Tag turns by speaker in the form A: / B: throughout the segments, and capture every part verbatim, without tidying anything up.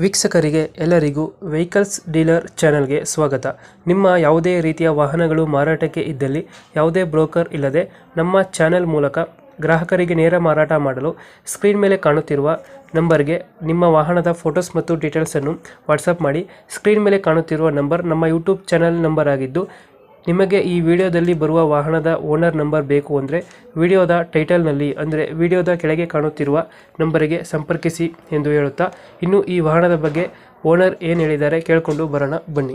A: ವೀಕ್ಷಕರಿಗೆ ಎಲ್ಲರಿಗೂ vehicles dealer ಚಾನೆಲ್ಗೆ ಸ್ವಾಗತ. ನಿಮ್ಮ ಯಾವುದೇ ರೀತಿಯ ವಾಹನಗಳು ಮಾರಾಟಕ್ಕೆ ಇದ್ದಲ್ಲಿ ಯಾವುದೇ ಬ್ರೋಕರ್ ಇಲ್ಲದೆ ನಮ್ಮ ಚಾನೆಲ್ ಮೂಲಕ ಗ್ರಾಹಕರಿಗೆ ನೇರ ಮಾರಾಟ ಮಾಡಲು ಸ್ಕ್ರೀನ್ ಮೇಲೆ ಕಾಣುತ್ತಿರುವ ನಂಬರ್ಗೆ ನಿಮ್ಮ ವಾಹನದ ಫೋಟೋಸ್ ಮತ್ತು ಡೀಟೇಲ್ಸನ್ನು ವಾಟ್ಸಪ್ ಮಾಡಿ. ಸ್ಕ್ರೀನ್ ಮೇಲೆ ಕಾಣುತ್ತಿರುವ ನಂಬರ್ ನಮ್ಮ ಯೂಟ್ಯೂಬ್ ಚಾನೆಲ್ ನಂಬರ್ ಆಗಿದ್ದು, ನಿಮಗೆ ಈ ವಿಡಿಯೋದಲ್ಲಿ ಬರುವ ವಾಹನದ ಓನರ್ ನಂಬರ್ ಬೇಕು ಅಂದರೆ ವಿಡಿಯೋದ ಟೈಟಲ್ನಲ್ಲಿ ಅಂದರೆ ವಿಡಿಯೋದ ಕೆಳಗೆ ಕಾಣುತ್ತಿರುವ ನಂಬರಿಗೆ ಸಂಪರ್ಕಿಸಿ ಎಂದು ಹೇಳುತ್ತಾ, ಇನ್ನು ಈ ವಾಹನದ ಬಗ್ಗೆ ಓನರ್ ಏನು ಹೇಳಿದ್ದಾರೆ ಕೇಳಿಕೊಂಡು ಬರೋಣ ಬನ್ನಿ.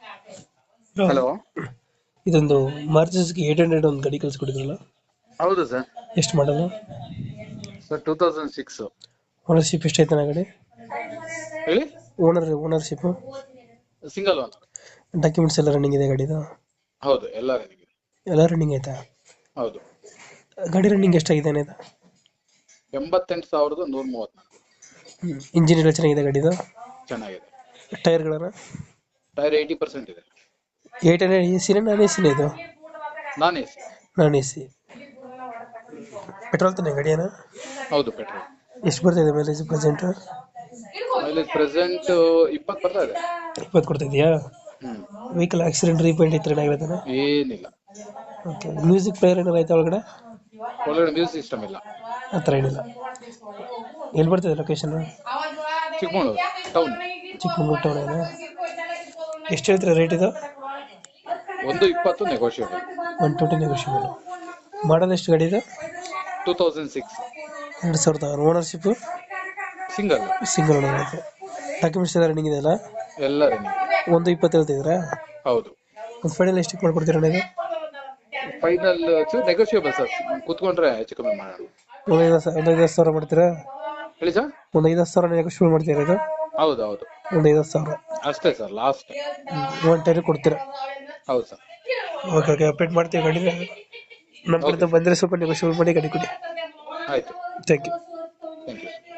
B: ಹಲೋ,
A: ಇದೊಂದು ಮಾರ್ಚಸ್ಗೆ ಏಟ್ ಹಂಡ್ರೆಡ್ ಒಂದು ಗಾಡಿ ಕಳಿಸ್ಕೊಟ್ಟಿದ್ರಲ್ಲ,
B: ಹೌದು ಸರ್.
A: ಎಷ್ಟು ಮಾಡಲ್ಲ
B: sir two thousand six.
A: Ownership ಎಷ್ಟೈತೆ ನಾ ಗಾಡಿ?
B: ಹೇಳಿ.
A: Owner ownership
B: single owner.
A: Documents ಎಲ್ಲ ರನ್ನಿಂಗ್ ಇದೆ ಗಾಡಿದು?
B: ಹೌದು, ಎಲ್ಲ ರನ್ನಿಂಗ್ ಇದೆ.
A: ಎಲ್ಲ ರನ್ನಿಂಗ್ ಆಯ್ತಾ?
B: ಹೌದು.
A: ಗಾಡಿ ರನ್ನಿಂಗ್ ಎಷ್ಟಾಗಿದೆ ಇದು?
B: ಎಂಬತ್ತೆಂಟು ಸಾವಿರದ ನೂರ ಮೂವತ್ನಾಲ್ಕು.
A: ಇಂಜಿನ್ ಎಲ್ಲ ಚೆನ್ನಾಗಿದೆ ಗಾಡಿದು?
B: ಚೆನ್ನಾಗಿದೆ.
A: ಟೈರ್ಗಳನ್ನ
B: ಟೈರ್ ಏಯ್ಟಿ ಪರ್ಸೆಂಟ್ ಇದೆ.
A: ಏಟ್ ಹಂಡ್ರೆಡ್ ಎ ಸಿನ ನಾನ್ ಎ ಸಿನ ಇದು?
B: Non A C.
A: Non A C. Petrol ತಾನೆ ಗಾಡಿಯನ?
B: ಹೌದು, ಪೆಟ್ರೋಲ್.
A: ಎಷ್ಟು ಬರ್ತಿದೆ ಮೈಲೇಜ್ ಪ್ರೆಸೆಂಟ್?
B: ಮೈಲೇಜ್ ಪ್ರೆಸೆಂಟ್ ಇಪ್ಪತ್ತು ಬರ್ತಾ ಇದೆ.
A: ಇಪ್ಪತ್ತು ಕೊಡ್ತಾ ಇದೆಯಾ?
B: ಹ್ಮ್.
A: ವೆಹಿಕಲ್ ಆಕ್ಸಿಡೆಂಟ್ ರೀಪೇಂಟ್ ಇತ್ತು ಏನಾಗಿರ್ತಾನೆ?
B: ಏನಿಲ್ಲ.
A: ಓಕೆ. ಮ್ಯೂಸಿಕ್ ಪ್ಲೇಯರ್ ಏನಾರು ಆಯ್ತಾ ಒಳಗಡೆ?
B: ಒಳಗಡೆ ಮ್ಯೂಸಿಕ್ ಸಿಸ್ಟಮ್ ಇಲ್ಲ.
A: ಆ ಥರ ಏನಿಲ್ಲ. ಎಲ್ಲಿ ಬರ್ತಿದೆ location?
B: Chikkamagaluru town.
A: Chikkamagaluru town ಏನಾ? ಎಷ್ಟು ಹೇಳ್ತೀರಾ ರೇಟ್ ಇದು?
B: ಒಂದು ಇಪ್ಪತ್ತು negotiable.
A: One twenty negotiable. Model ಎಷ್ಟು ಗಾಡಿ ಇದು?
B: Two thousand six.
A: ಎರಡು ಸಾವಿರದ ಆರು. Ownership
B: single.
A: ಸಿಂಗಲ್ ಓನರ್ ಆಯಿತು. ಡಾಕ್ಯುಮೆಂಟ್ಸ್ ಎಲ್ಲ ರನ್ನಿಂಗ್ ಇದೆಯಲ್ಲ?
B: ಎಲ್ಲ ರನ್ನಿಂಗ್.
A: ಒಂದು ಇಪ್ಪತ್ತು ಹೇಳ್ತಿದ್ದೀರಾ?
B: ಹೌದು.
A: ಒಂದು ಫೈನಲ್ ಎಷ್ಟಕ್ಕೆ ಮಾಡ್ಕೊಡ್ತೀರಾ ನೀವು?
B: ಫೈನಲ್ ನೆಗೋಷಿಯಬಲ್ ಸರ್, ಕೂತ್ಕೊಂಡ್ರೆ ಹೆಚ್ಚು ಕಮ್ಮಿ ಮಾಡೋಣ.
A: ಒಂದು ಐದು ಒಂದು ಐದು ಸಾವಿರ ಮಾಡ್ತೀರಾ?
B: ಹೇಳಿ ಸರ್.
A: ಒಂದು ಐದು ಸಾವಿರ ನೆಗೋಷಿಯಬಲ್ ಮಾಡ್ತೀರಾ ಇದು?
B: ಹೌದು ಹೌದು,
A: ಒಂದು ಐದು ಸಾವಿರ
B: ಅಷ್ಟೇ ಸರ್, ಲಾಸ್ಟ್.
A: ಒನ್ ಟೈರ್ ಕೊಡ್ತೀರಾ?
B: ಹೌದು ಸರ್.
A: ಓಕೆ ಓಕೆ, ಅಪ್ಡೇಟ್ ಮಾಡ್ತೀವಿ ಗಾಡಿ. ನಮ್ಮ ಕಡೆಯಿಂದ ಬಂದರೆ ಸ್ವಲ್ಪ ನೆಗೋಷಿಯಬಲ್ ಮಾಡಿ ಗಾಡಿ ಕೊಡಿ.
B: ಆಯಿತು,
A: ಥ್ಯಾಂಕ್ ಯು.
B: Thank you.